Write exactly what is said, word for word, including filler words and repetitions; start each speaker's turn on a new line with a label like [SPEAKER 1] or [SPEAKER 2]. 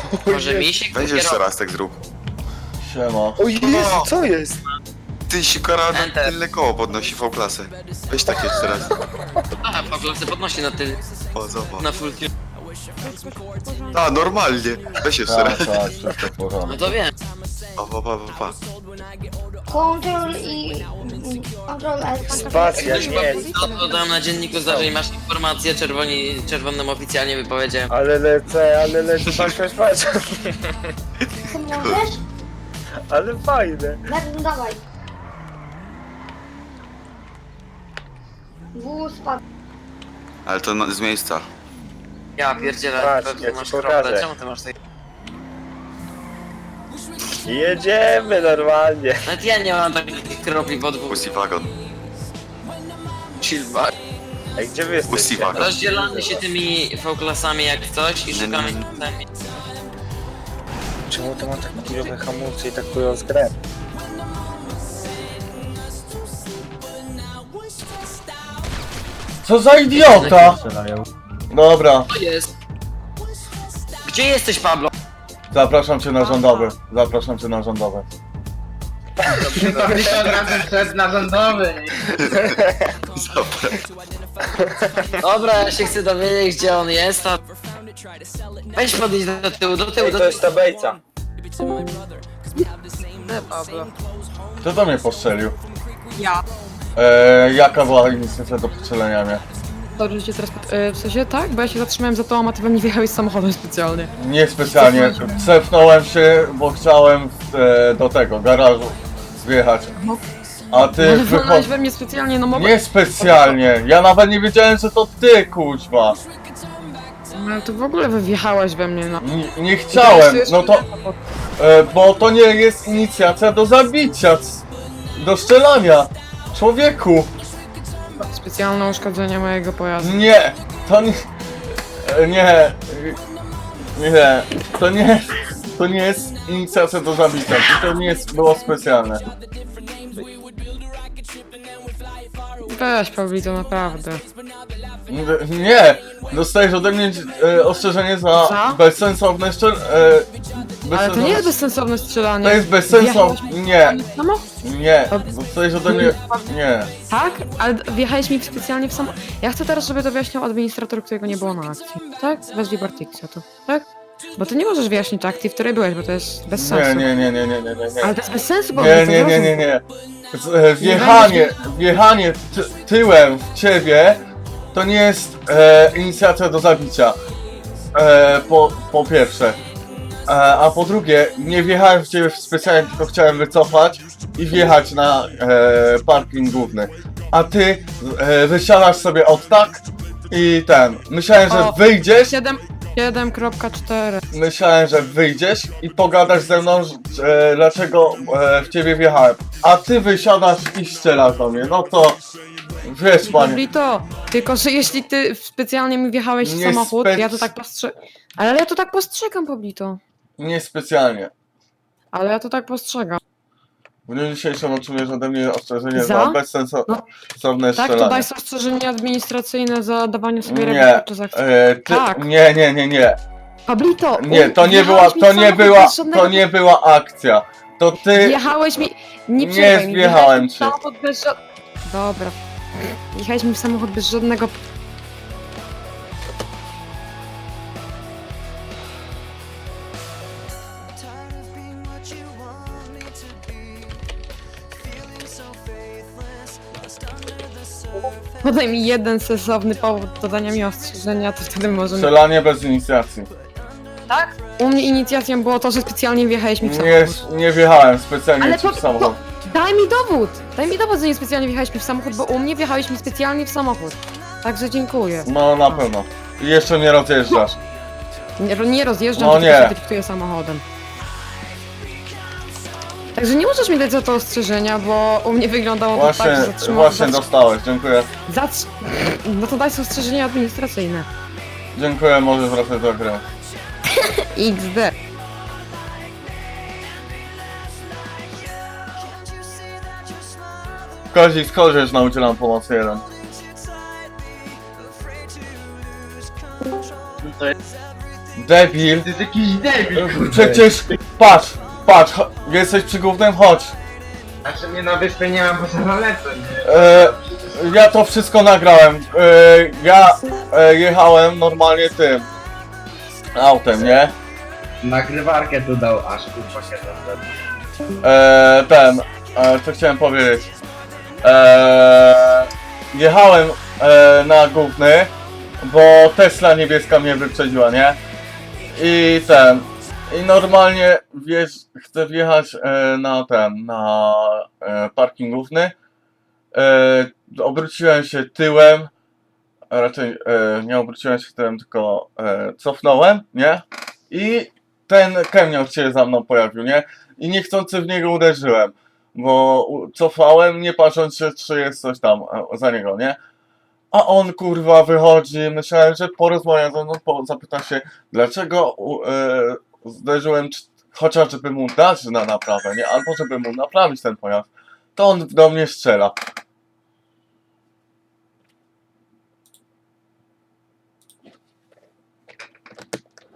[SPEAKER 1] Może mi się
[SPEAKER 2] Weź jeszcze raz tak zrób.
[SPEAKER 3] Siema.
[SPEAKER 4] O Jezu, co jest?
[SPEAKER 2] Ty sikara na
[SPEAKER 1] Enter.
[SPEAKER 2] tylne koło podnosi V-klasę. Weź tak jeszcze raz.
[SPEAKER 1] Aha, po klasy podnosi na ty,
[SPEAKER 2] O, zobacz.
[SPEAKER 1] na full tune.
[SPEAKER 2] A, normalnie. Weź jeszcze
[SPEAKER 3] Tak,
[SPEAKER 2] raz.
[SPEAKER 3] tak, wszystko w
[SPEAKER 1] No
[SPEAKER 3] porządku.
[SPEAKER 1] to wiem.
[SPEAKER 2] O, pa, pa, pa, pa.
[SPEAKER 5] Control i... Control L.
[SPEAKER 4] Spacja,
[SPEAKER 1] Ktoś
[SPEAKER 4] nie.
[SPEAKER 1] to, to dam na dzienniku zdarzeń, masz informację, czerwoni, czerwonym oficjalnie wypowiedziałem.
[SPEAKER 4] Ale lecę, ale lecę, patrz, patrz, patrz.
[SPEAKER 5] Co możesz?
[SPEAKER 4] Ale fajne.
[SPEAKER 5] No dawaj. W spadł.
[SPEAKER 2] Ale to na, z miejsca.
[SPEAKER 1] Ja pierdzielę,
[SPEAKER 4] Patrz,
[SPEAKER 1] pewnie
[SPEAKER 4] ja ci
[SPEAKER 1] masz
[SPEAKER 4] pokażę.
[SPEAKER 1] krople, czemu ty masz tej...
[SPEAKER 4] Jedziemy normalnie.
[SPEAKER 1] Nawet ja nie mam takich kropli pod dwóch.
[SPEAKER 2] Pussy wagon.
[SPEAKER 1] Chillback.
[SPEAKER 4] Ej, gdzie wy
[SPEAKER 2] Pussy
[SPEAKER 4] jesteście?
[SPEAKER 2] wagon.
[SPEAKER 1] Rozdzielamy się tymi V-klasami jak coś i szukamy sami.
[SPEAKER 4] Czemu to ma tak chujowe hamulce i tak chujowo skręt?
[SPEAKER 3] Co za idiota! Dobra,
[SPEAKER 1] To jest. Gdzie jesteś, Pablo?
[SPEAKER 3] zapraszam cię na rządowy. Zapraszam cię na rządowy.
[SPEAKER 6] To tylko od razu przed narządowy.
[SPEAKER 2] Dobra.
[SPEAKER 1] Dobra, ja się chcę dowiedzieć, gdzie on jest, a... Weź podejść do tyłu, do tyłu,
[SPEAKER 4] Ej,
[SPEAKER 1] do
[SPEAKER 4] to
[SPEAKER 1] tyłu.
[SPEAKER 4] jest ta bejca.
[SPEAKER 1] Nie, Pablo.
[SPEAKER 3] Kto do mnie postrzelił?
[SPEAKER 7] Ja.
[SPEAKER 3] Eee, jaka była inicjatywa do postrzelenia mnie?
[SPEAKER 7] Dobrze, że cię teraz... pod- e, w sensie tak, bo ja się zatrzymałem za tobą, a ty we mnie wjechałeś samochodem specjalnie.
[SPEAKER 3] Nie specjalnie. Cefnąłem się, bo chciałem e, do tego garażu wjechać.
[SPEAKER 7] No.
[SPEAKER 3] A ty
[SPEAKER 7] Ale
[SPEAKER 3] wychodź.
[SPEAKER 7] wolałeś we mnie specjalnie, no mogę...
[SPEAKER 3] Nie specjalnie. Ja nawet nie wiedziałem, że to ty, kuźwa.
[SPEAKER 7] Ale to w ogóle wy wjechałeś we mnie, no.
[SPEAKER 3] Nie, nie chciałem. No to. E, bo to nie jest inicjacja do zabicia. c- Do strzelania. Człowieku.
[SPEAKER 7] Specjalne uszkodzenie mojego pojazdu.
[SPEAKER 3] Nie. To nie. e, Nie. Nie. To nie. To nie jest inicjacja do zabicia. To nie jest, było specjalne.
[SPEAKER 7] Weź, Pablito, naprawdę.
[SPEAKER 3] N- Nie! Dostajesz ode mnie e, ostrzeżenie za
[SPEAKER 7] Za?
[SPEAKER 3] bezsensowne szczel... E,
[SPEAKER 7] Ale to nie jest
[SPEAKER 3] bezsensowne-
[SPEAKER 7] bezsensowne strzelanie.
[SPEAKER 3] To jest bezsensowne...
[SPEAKER 7] Wjechałeś mi-
[SPEAKER 3] Nie,
[SPEAKER 7] Samo?
[SPEAKER 3] nie. Dostajesz ode mnie... Nie.
[SPEAKER 7] Tak? Ale wjechałeś mi specjalnie w samo... Ja chcę teraz, żeby to wyjaśniał administrator, którego nie było na akcji. Tak? Wezwij Bartiksa tu. Tak? Bo ty nie możesz wyjaśnić akcji, w której byłeś, bo to jest bez
[SPEAKER 3] Nie,
[SPEAKER 7] sensu.
[SPEAKER 3] nie, nie, nie, nie, nie, nie, nie.
[SPEAKER 7] Ale to jest bez sensu, bo
[SPEAKER 3] Nie,
[SPEAKER 7] on to
[SPEAKER 3] nie, nie, nie,
[SPEAKER 7] zrozum.
[SPEAKER 3] nie. Z- e, Wjechanie, wjechanie ty, tyłem w ciebie to nie jest e, inicjacja do zabicia. E, po, po pierwsze. E, a po drugie, nie wjechałem w ciebie specjalnie, tylko chciałem wycofać i wjechać na e, parking główny. A ty e, wysiadasz sobie od tak i ten. Myślałem, że
[SPEAKER 7] O.
[SPEAKER 3] wyjdziesz.
[SPEAKER 7] siedem kropka cztery.
[SPEAKER 3] Myślałem, że wyjdziesz i pogadasz ze mną, e, dlaczego e, w ciebie wjechałem. A ty wysiadasz i strzelasz do mnie. No to wiesz, panie.
[SPEAKER 7] Pablito, tylko że jeśli ty specjalnie mi wjechałeś w
[SPEAKER 3] Nie
[SPEAKER 7] samochód,
[SPEAKER 3] spec-
[SPEAKER 7] ja to tak postrzegam. Ale ja to tak postrzegam, Pablito.
[SPEAKER 3] Nie specjalnie.
[SPEAKER 7] Ale ja to tak postrzegam.
[SPEAKER 3] W dniu dzisiejszym otrzymujesz ode mnie ostrzeżenie za,
[SPEAKER 7] Za?
[SPEAKER 3] bezsensowne
[SPEAKER 7] No. Tak, to
[SPEAKER 3] strzelanie.
[SPEAKER 7] daj ostrzeżenie administracyjne za dawanie sobie
[SPEAKER 3] Nie,
[SPEAKER 7] reguł podczas akcji.
[SPEAKER 3] e, ty,
[SPEAKER 7] Tak.
[SPEAKER 3] nie, nie, nie, nie.
[SPEAKER 7] Pablito!
[SPEAKER 3] Nie, to nie była,
[SPEAKER 7] wjechałeś mi
[SPEAKER 3] to
[SPEAKER 7] w
[SPEAKER 3] nie
[SPEAKER 7] samochód
[SPEAKER 3] była,
[SPEAKER 7] bez żadnego-
[SPEAKER 3] to nie była akcja. To ty,
[SPEAKER 7] Wjechałeś mi... Nie
[SPEAKER 3] Nie
[SPEAKER 7] przerywaj mi,
[SPEAKER 3] wjechałem
[SPEAKER 7] wjechałeś mi w
[SPEAKER 3] ci.
[SPEAKER 7] samochód bez ża- Dobra. Wjechałeś mi w samochód bez żadnego... Podaj mi jeden sensowny powód do dania mi ostrzeżenia, to wtedy możemy...
[SPEAKER 3] strzelanie bez inicjacji.
[SPEAKER 7] Tak? U mnie inicjacją było to, że specjalnie wjechałeś mi w
[SPEAKER 3] Nie,
[SPEAKER 7] samochód.
[SPEAKER 3] nie wjechałem specjalnie
[SPEAKER 7] Ale
[SPEAKER 3] ci
[SPEAKER 7] po,
[SPEAKER 3] w samochód.
[SPEAKER 7] po, daj mi dowód! Daj mi dowód, że nie specjalnie wjechałeś mi w samochód, bo u mnie wjechałeś mi specjalnie w samochód. Także dziękuję.
[SPEAKER 3] No na pewno. I jeszcze nie rozjeżdżasz.
[SPEAKER 7] Nie, nie rozjeżdżam,
[SPEAKER 3] No
[SPEAKER 7] tylko
[SPEAKER 3] nie.
[SPEAKER 7] się driftuję samochodem. Także nie możesz mi dać za to ostrzeżenia, bo u mnie wyglądało to
[SPEAKER 3] Właśnie,
[SPEAKER 7] tak, że zatrzymałem...
[SPEAKER 3] właśnie dostałeś, dziękuję.
[SPEAKER 7] Zatr... No to daj sobie ostrzeżenie administracyjne.
[SPEAKER 3] Dziękuję, możesz wracać do gry.
[SPEAKER 7] iks de.
[SPEAKER 3] Kozik, skorzysz na udzielam pomocy jeden.
[SPEAKER 6] To jest
[SPEAKER 3] Debil.
[SPEAKER 6] To jest jakiś debil, kurde.
[SPEAKER 3] Przecież, patrz, patrz, cho- jesteś przy głównym, chodź.
[SPEAKER 6] Znaczy mnie na wyspie nie mam, bo zaraz lecę, nie?
[SPEAKER 3] E, ja to wszystko nagrałem. E, ja e, jechałem normalnie tym autem, nie?
[SPEAKER 6] Nagrywarkę tu dał, aż kurwa kiedy
[SPEAKER 3] E, ten, e, co chciałem powiedzieć. E, jechałem e, na główny, bo Tesla niebieska mnie wyprzedziła, nie? I ten, i normalnie wiesz, chcę wjechać e, na ten, na e, parking główny. E, obróciłem się tyłem, a raczej e, nie obróciłem się tyłem, tylko e, cofnąłem, nie? I ten kamień się za mną pojawił, nie? I niechcący w niego uderzyłem, bo u- cofałem, nie patrząc się, czy jest coś tam e, za niego, nie? A on kurwa wychodzi, myślałem, że porozmawia ze mną, po, zapyta się, dlaczego u- e, zderzyłem, czy- chociaż żeby mu dać na naprawę, nie? Albo żeby mu naprawić ten pojazd. To on do mnie strzela.